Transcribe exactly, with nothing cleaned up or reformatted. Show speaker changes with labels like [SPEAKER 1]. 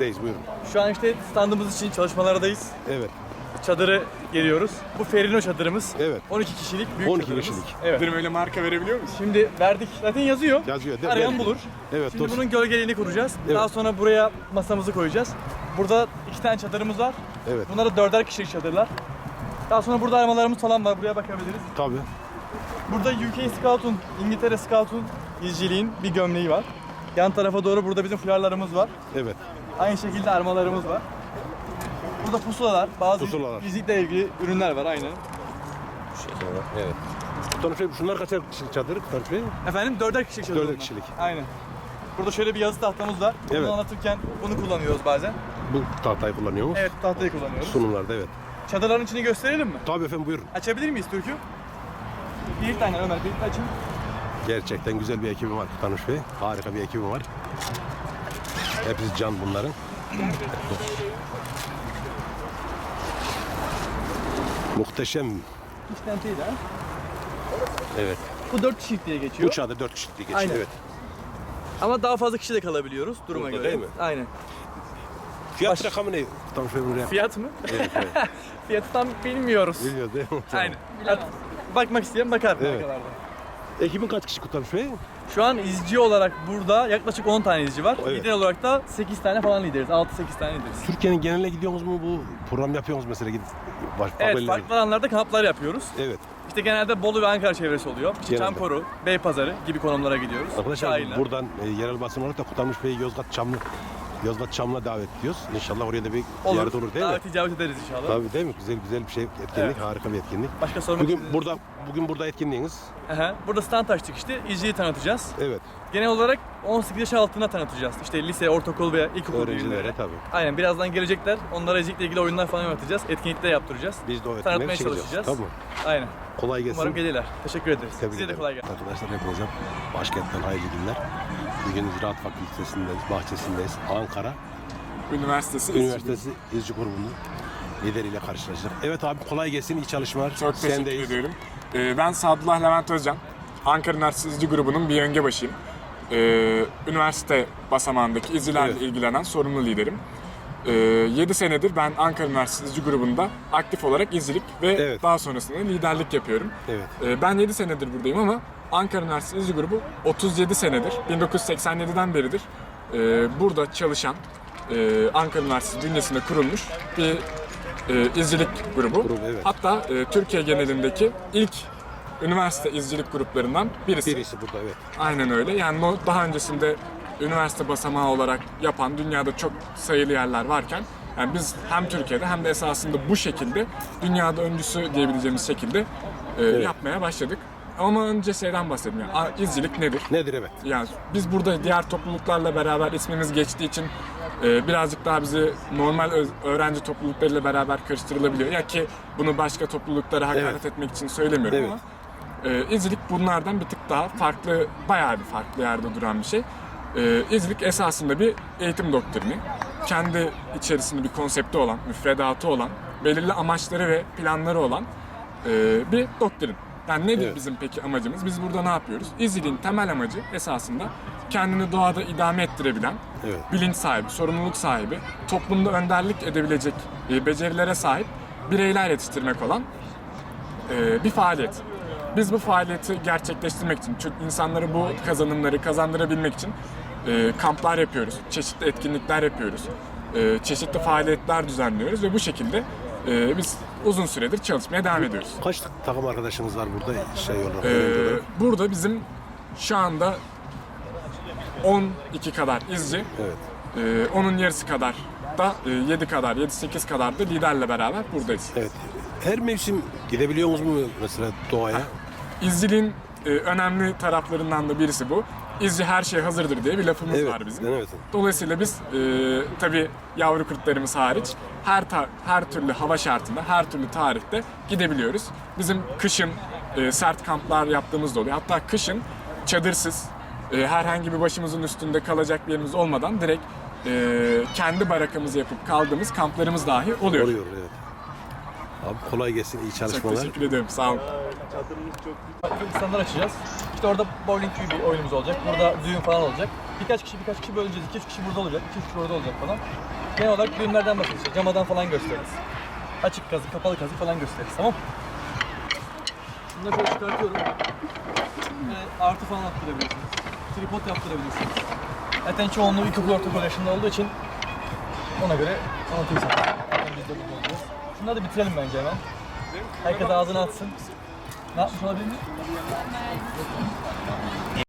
[SPEAKER 1] Sizdeyiz, buyurun.
[SPEAKER 2] Şu an işte standımız için çalışmalardayız.
[SPEAKER 1] Evet.
[SPEAKER 2] Çadırı geliyoruz. Bu Ferino çadırımız.
[SPEAKER 1] Evet.
[SPEAKER 2] on iki kişilik büyük
[SPEAKER 1] on iki
[SPEAKER 2] çadırımız.
[SPEAKER 1] kişilik.
[SPEAKER 2] Evet.
[SPEAKER 3] Benim öyle marka verebiliyor musun?
[SPEAKER 2] Şimdi verdik. Zaten yazıyor.
[SPEAKER 1] Yazıyor, değil mi?
[SPEAKER 2] Arayan
[SPEAKER 1] Evet.
[SPEAKER 2] bulur.
[SPEAKER 1] Evet,
[SPEAKER 2] Şimdi
[SPEAKER 1] doğru.
[SPEAKER 2] bunun gölgeliğini kuracağız.
[SPEAKER 1] Evet.
[SPEAKER 2] Daha sonra buraya masamızı koyacağız. Burada iki tane çadırımız var.
[SPEAKER 1] Evet.
[SPEAKER 2] Bunlar da dörder kişilik çadırlar. Daha sonra burada armalarımız falan var. Buraya bakabiliriz.
[SPEAKER 1] Tabii.
[SPEAKER 2] Burada U K Scout'un, İngiltere Scout'un izciliğin bir gömleği var. Yan tarafa doğru burada bizim fularlarımız var.
[SPEAKER 1] Evet.
[SPEAKER 2] Aynı şekilde armalarımız var. Burada pusulalar, bazı
[SPEAKER 1] Pusulalar.
[SPEAKER 2] izcilikle ilgili ürünler var aynen.
[SPEAKER 1] Evet. Tanrı Bey, şunlar kaçar kişilik çadır? Tanrı Bey?
[SPEAKER 2] Efendim dörder kişilik çadır.
[SPEAKER 1] Dörder
[SPEAKER 2] bunlar.
[SPEAKER 1] kişilik.
[SPEAKER 2] Aynen. Burada şöyle bir yazı tahtamız var. Bunu
[SPEAKER 1] Evet.
[SPEAKER 2] anlatırken bunu kullanıyoruz bazen.
[SPEAKER 1] Bu tahtayı kullanıyor mu?
[SPEAKER 2] Evet, tahtayı kullanıyoruz.
[SPEAKER 1] Sunumlarda, evet.
[SPEAKER 2] Çadırların içini gösterelim mi?
[SPEAKER 1] Tabii efendim, buyurun.
[SPEAKER 2] Açabilir miyiz Türk'ü? Bir tane Ömer, bir açın.
[SPEAKER 1] Gerçekten güzel bir ekibim var Tanrı Bey. Harika bir ekibim var. Hepsi can bunların. Muhteşem.
[SPEAKER 2] İç tenteyi de.
[SPEAKER 1] Evet.
[SPEAKER 2] Bu dört kişilik diye geçiyor.
[SPEAKER 1] Bu çadır dört kişilik diye geçiyor.
[SPEAKER 2] Aynen.
[SPEAKER 1] Evet.
[SPEAKER 2] Ama daha fazla kişi de kalabiliyoruz duruma
[SPEAKER 1] Burada
[SPEAKER 2] göre.
[SPEAKER 1] değil mi?
[SPEAKER 2] Aynen.
[SPEAKER 1] Fiyat
[SPEAKER 2] Baş-
[SPEAKER 1] rakamı ne? Tanrı Bey bunu
[SPEAKER 2] Fiyat mı?
[SPEAKER 1] Evet, evet.
[SPEAKER 2] Fiyatı tam bilmiyoruz.
[SPEAKER 1] Bilmiyoruz değil mi?
[SPEAKER 2] Aynen. Artık bakmak isteyen bakar
[SPEAKER 1] Evet.
[SPEAKER 2] markalarda.
[SPEAKER 1] Ekibin kaç kişi Tanrı Bey?
[SPEAKER 2] Şu an izci olarak burada yaklaşık on tane izci var.
[SPEAKER 1] Evet.
[SPEAKER 2] Lider olarak da sekiz tane falan lideriz. altı sekiz tane lideriz.
[SPEAKER 1] Türkiye'nin geneline gidiyorsunuz mu, bu program yapıyorsunuz mesela gidip baş,
[SPEAKER 2] Evet,
[SPEAKER 1] haberleri-
[SPEAKER 2] farklı alanlarda kamplar yapıyoruz.
[SPEAKER 1] Evet.
[SPEAKER 2] İşte genelde Bolu ve Ankara çevresi oluyor. İşte
[SPEAKER 1] Genelde.
[SPEAKER 2] Çamkoru, Beypazarı gibi konumlara gidiyoruz.
[SPEAKER 1] Arkadaşlar
[SPEAKER 2] Sahiller.
[SPEAKER 1] buradan e, yerel basın olarak da Kutalmış Bey'i Yozgat Çamlı Yozgat Çamlı'na davet ediyoruz. İnşallah oraya da bir ziyaret olur değil mi?
[SPEAKER 2] Davet icabet ederiz inşallah.
[SPEAKER 1] Tabii değil mi? Güzel güzel bir şey, etkinlik,
[SPEAKER 2] Evet.
[SPEAKER 1] harika bir etkinlik.
[SPEAKER 2] Başka sormak
[SPEAKER 1] Bugün
[SPEAKER 2] istediğiniz-
[SPEAKER 1] burada bugün burada etkinliğiniz.
[SPEAKER 2] Aha, burada stand açtık işte. İzciyi tanıtacağız.
[SPEAKER 1] Evet.
[SPEAKER 2] Genel olarak on sekiz yaş altına tanıtacağız. İşte lise, ortaokul veya ilkokul
[SPEAKER 1] Öğrencilere
[SPEAKER 2] bilgileri.
[SPEAKER 1] tabii.
[SPEAKER 2] Aynen, birazdan gelecekler. Onlara izcilikle ilgili oyunlar falan yapacağız. Etkinlikler yaptıracağız.
[SPEAKER 1] Biz de o
[SPEAKER 2] Tanıtmaya
[SPEAKER 1] etkinliğe çıkacağız.
[SPEAKER 2] çalışacağız.
[SPEAKER 1] Tamam.
[SPEAKER 2] Aynen.
[SPEAKER 1] Kolay gelsin.
[SPEAKER 2] Umarım gelirler. Teşekkür ederiz.
[SPEAKER 1] Tebrik
[SPEAKER 2] Size de
[SPEAKER 1] ederim.
[SPEAKER 2] kolay gelsin.
[SPEAKER 1] Arkadaşlar hepinize başkentten hayırlı günler. Bugün Ziraat Fakültesindeyiz, bahçesindeyiz. Ankara
[SPEAKER 3] Üniversitesi.
[SPEAKER 1] Üniversitesi İzci Grubu'nun lideriyle karşılaştık. Evet abi, kolay gelsin, iyi çalışmalar.
[SPEAKER 3] Çok teşekkür
[SPEAKER 1] Sendeyiz.
[SPEAKER 3] ediyorum. Ee, ben Sadullah Levent Özcan. Ankara Üniversitesi İzci Grubu'nun bir yönge başıyım. Ee, üniversite basamağındaki izcilerle
[SPEAKER 1] Evet.
[SPEAKER 3] ilgilenen sorumlu liderim. Ee, yedi senedir ben Ankara Üniversitesi İzci Grubu'nda aktif olarak izcilik ve
[SPEAKER 1] Evet.
[SPEAKER 3] daha sonrasında liderlik yapıyorum.
[SPEAKER 1] Evet.
[SPEAKER 3] Ee, ben yedi senedir buradayım ama Ankara Üniversitesi İzci Grubu otuz yedi senedir, bin dokuz yüz seksen yediden beridir e, burada çalışan, e, Ankara Üniversitesi bünyesinde kurulmuş bir e, izcilik grubu.
[SPEAKER 1] Grubu, evet.
[SPEAKER 3] Hatta e, Türkiye genelindeki ilk üniversite izcilik gruplarından birisi.
[SPEAKER 1] Birisi burada, evet.
[SPEAKER 3] Aynen öyle. Yani no- daha öncesinde üniversite basamağı olarak yapan dünyada çok sayılı yerler varken, yani biz hem Türkiye'de hem de esasında bu şekilde dünyada öncüsü diyebileceğimiz şekilde e, yapmaya başladık. Ama önce şeyden bahsedeyim. Yani, a- izcilik nedir?
[SPEAKER 1] Nedir, evet.
[SPEAKER 3] Yani biz burada diğer topluluklarla beraber ismimiz geçtiği için e, birazcık daha bizi normal öz- öğrenci topluluklarıyla beraber karıştırılabiliyor. Ya ki bunu başka topluluklara hakaret
[SPEAKER 1] Evet.
[SPEAKER 3] etmek için söylemiyorum
[SPEAKER 1] Evet.
[SPEAKER 3] ama e, izcilik bunlardan bir tık daha farklı, bayağı bir farklı yerde duran bir şey. E, izcilik esasında bir eğitim doktrini. Kendi içerisinde bir konsepti olan, müfredatı olan, belirli amaçları ve planları olan e, bir doktrin. Yani nedir
[SPEAKER 1] Evet.
[SPEAKER 3] bizim peki amacımız? Biz burada ne yapıyoruz? İzciliğin temel amacı esasında kendini doğada idame ettirebilen,
[SPEAKER 1] Evet.
[SPEAKER 3] bilinç sahibi, sorumluluk sahibi, toplumda önderlik edebilecek e, becerilere sahip bireyler yetiştirmek olan e, bir faaliyet. Biz bu faaliyeti gerçekleştirmek için, çünkü insanlara bu kazanımları kazandırabilmek için e, kamplar yapıyoruz, çeşitli etkinlikler yapıyoruz, e, çeşitli faaliyetler düzenliyoruz ve bu şekilde e, biz uzun süredir çalışmaya devam ediyoruz.
[SPEAKER 1] Kaç takım arkadaşınız var burada şey olarak?
[SPEAKER 3] Ee,
[SPEAKER 1] öğrenci olarak?
[SPEAKER 3] burada bizim şu anda on iki kadar izci,
[SPEAKER 1] Evet.
[SPEAKER 3] ee, onun yarısı kadar da e, yedi kadar, yedi sekiz kadar da liderle beraber buradayız.
[SPEAKER 1] Evet. Her mevsim gidebiliyor musunuz mu mesela doğaya?
[SPEAKER 3] İzciliğin e, önemli taraflarından da birisi bu. İzci her şey hazırdır diye bir lafımız
[SPEAKER 1] Evet.
[SPEAKER 3] var bizim.
[SPEAKER 1] Evet.
[SPEAKER 3] Dolayısıyla biz e, tabii yavru kurtlarımız hariç her ta- her türlü hava şartında, her türlü tarihte gidebiliyoruz. Bizim kışın e, sert kamplar yaptığımız da oluyor. Hatta kışın çadırsız, e, herhangi bir başımızın üstünde kalacak bir yerimiz olmadan direkt e, kendi barakamızı yapıp kaldığımız kamplarımız dahi oluyor.
[SPEAKER 1] Oluyor, evet. Abi kolay gelsin, iyi
[SPEAKER 3] Çok
[SPEAKER 1] çalışmalar.
[SPEAKER 3] teşekkür ederim. Sağ olun.
[SPEAKER 2] Farklı standlar açacağız. İşte orada bowling gibi bir oyunumuz olacak. Burada düğün falan olacak. birkaç kişi birkaç kişi böleceğiz. iki üç kişi burada olacak, iki üç kişi orada olacak falan. Genel olarak düğünlerden bahsedeceğiz. İşte camadan falan gösteririz. Açık kazık, kapalı kazık falan gösteririz. Tamam. Şunu da şöyle çıkartıyorum. Ve artı falan attırabilirsiniz. Tripod yaptırabilirsiniz. Zaten çoğunluğu ilkokul ortaokul yaşında olduğu için ona göre anlatayım sana. Zaten biz de burada olacağız. Şunları da bitirelim bence hemen. Herkes ağzını atsın. Ne yapmış olabilir mi?